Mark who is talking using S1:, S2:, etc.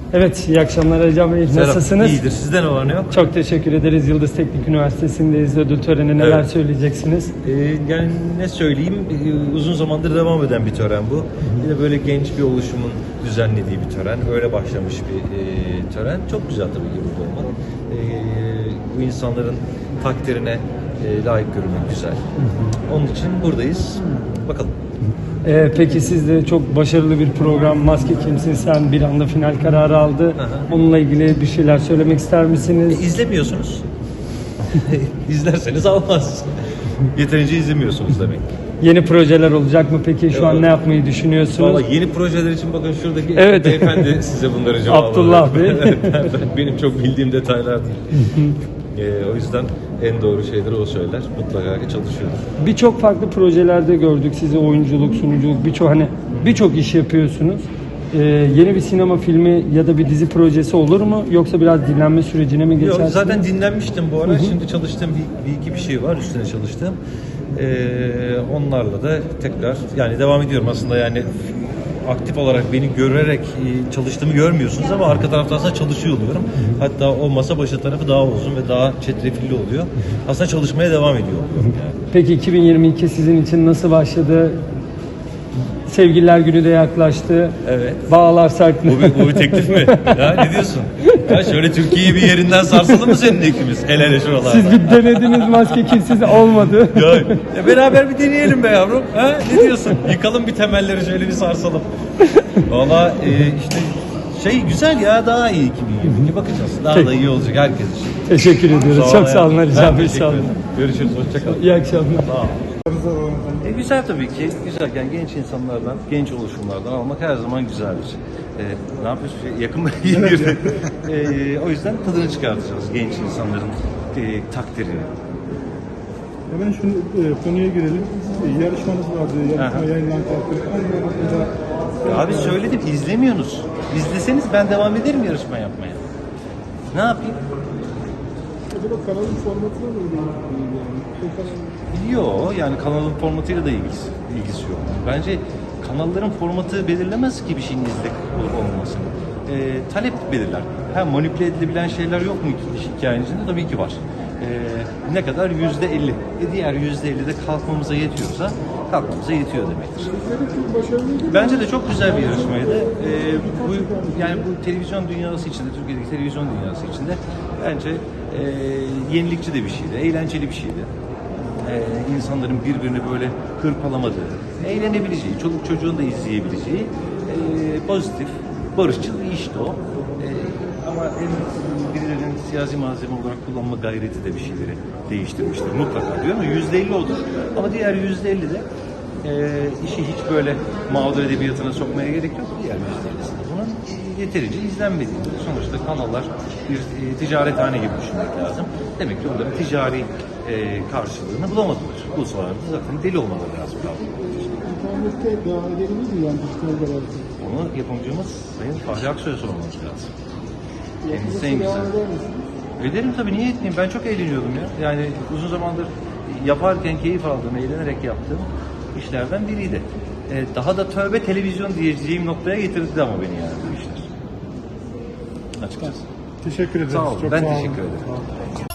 S1: Evet, iyi akşamlar Ercan Bey. Nasılsınız?
S2: İyidir. Sizde ne var ne yok?
S1: Çok teşekkür ederiz. Yıldız Teknik Üniversitesi'ndeyiz. Ödül töreni neler
S2: Evet.
S1: söyleyeceksiniz?
S2: Yani ne söyleyeyim, uzun zamandır devam eden bir tören bu. Bir de böyle genç bir oluşumun düzenlediği bir tören. Öyle başlamış bir tören. Çok güzel tabii ki burada olmak. Bu insanların takdirine layık görülmek güzel. Onun için buradayız. Bakalım.
S1: Peki siz de çok başarılı bir program Maske Kimsin Sen bir anda final kararı aldı.
S2: Aha.
S1: Onunla ilgili bir şeyler söylemek ister misiniz?
S2: İzlemiyorsunuz. İzlerseniz almaz. Yeterince izlemiyorsunuz demek.
S1: Yeni projeler olacak mı peki? Şu an ne yapmayı düşünüyorsunuz?
S2: Valla yeni projeler için bakın şuradaki
S1: Evet.
S2: beyefendi size bunları cevap
S1: Abdullah Bey.
S2: Benim çok bildiğim detaylar değil. O yüzden en doğru şeyleri o söyler. Mutlaka ki çalışıyoruz.
S1: Birçok farklı projelerde gördük sizi, oyunculuk, sunuculuk, birçok iş yapıyorsunuz. Yeni bir sinema filmi ya da bir dizi projesi olur mu? Yoksa biraz dinlenme sürecine mi
S2: Yok,
S1: geçersiniz?
S2: zaten dinlenmiştim bu ara. Şimdi çalıştığım bir iki bir şey var. Üstüne çalıştığım. Onlarla da tekrar yani devam ediyorum aslında, yani aktif olarak beni görerek çalıştığımı görmüyorsunuz ama arka tarafta aslında çalışıyor oluyorum. Hatta o masa başı tarafı daha uzun ve daha çetrefilli oluyor. Aslında çalışmaya devam ediyor oluyorum yani.
S1: Peki 2022 sizin için nasıl başladı? Sevgililer Günü de yaklaştı.
S2: Evet.
S1: Bağlar sark mı?
S2: Bu bir teklif mi? Ya ne diyorsun? Ya şöyle Türkiye'yi bir yerinden sarsalım mı senin ikimiz? El ele şuralarda.
S1: Siz bir denediniz, Maske Kimsiz olmadı.
S2: Ya beraber bir deneyelim be yavrum. Ha? Ne diyorsun? Yıkalım bir temelleri, şöyle bir sarsalım. Valla işte güzel ya, daha iyi 2022 bakacağız. Daha da iyi olacak herkes için.
S1: Teşekkür ediyoruz. Çok sağ olun
S2: hayatım.
S1: Ercan
S2: Ben
S1: Bey.
S2: teşekkür
S1: Sağ olun.
S2: ederim. Görüşürüz. Hoşçakalın.
S1: İyi akşamlar.
S2: Sağ ol. Güzel tabii ki. Güzel. Yani genç insanlardan, genç oluşumlardan almak her zaman güzeldir. Ne yapıyorsun? Yakın mı? O yüzden tadını çıkartacağız genç insanların takdirini.
S3: Hemen şu konuya girelim. Yarışmanız vardı. Yarışma yayınlanan
S2: Abi söyledim, izlemiyorsunuz. İzleseniz ben devam ederim yarışma yapmaya. Ne yapayım?
S3: Acaba kanalın formatına mı
S2: Yok, yani kanalın formatıyla da ilgisi yok. Bence kanalların formatı belirlemez ki bir şeyin izlek olup olmamasını. Talep belirler. Manipüle edilebilen şeyler yok mu hikayenin içinde? Tabii ki var. Ne kadar? %50. Diğer %50 de kalkmamıza yetiyorsa kalkmamıza yetiyor demektir. Bence de çok güzel bir yarışmaydı. Bu televizyon dünyası içinde, Türkiye'deki televizyon dünyası içinde bence yenilikçi de bir şeydi, eğlenceli bir şeydi. İnsanların birbirini böyle hırpalamadığı, eğlenebileceği, çoluk çocuğun da izleyebileceği pozitif, barışçıl bir işti o. Ama birilerinin siyasi malzeme olarak kullanma gayreti de bir şeyleri değiştirmiştir mutlaka, diyorum ya, %50 odur. Ama diğer %50 de işi hiç böyle mağdur edebiyatına sokmaya gerek yok. Diğer %50'sinde bunun yeterince izlenmediğini, sonuçta kanallar bir ticarethane gibi düşünmek lazım. Demek ki onların ticari karşılığını bulamadılar. Bu sıralarda zaten deli olmaları lazım.
S3: İnternette devam edebilir mi yani dijital olarak?
S2: Onu yapımcımız Sayın Fahri Aksoy'a sormamız lazım. Kendisi en
S3: Devam
S2: güzel.
S3: eder misiniz?
S2: Öderim tabii, niye etmeyeyim? Ben çok eğleniyordum ya. Yani uzun zamandır yaparken keyif aldığım, eğlenerek yaptığım işlerden biriydi. Daha da tövbe televizyon diyeceğim noktaya getirdi ama beni yani bu işler. Açıkçası.
S3: Teşekkür ederiz.
S2: Sağ olun.
S3: Çok
S2: Ben
S3: sağ olun.
S2: teşekkür ederim.
S3: Sağ olun.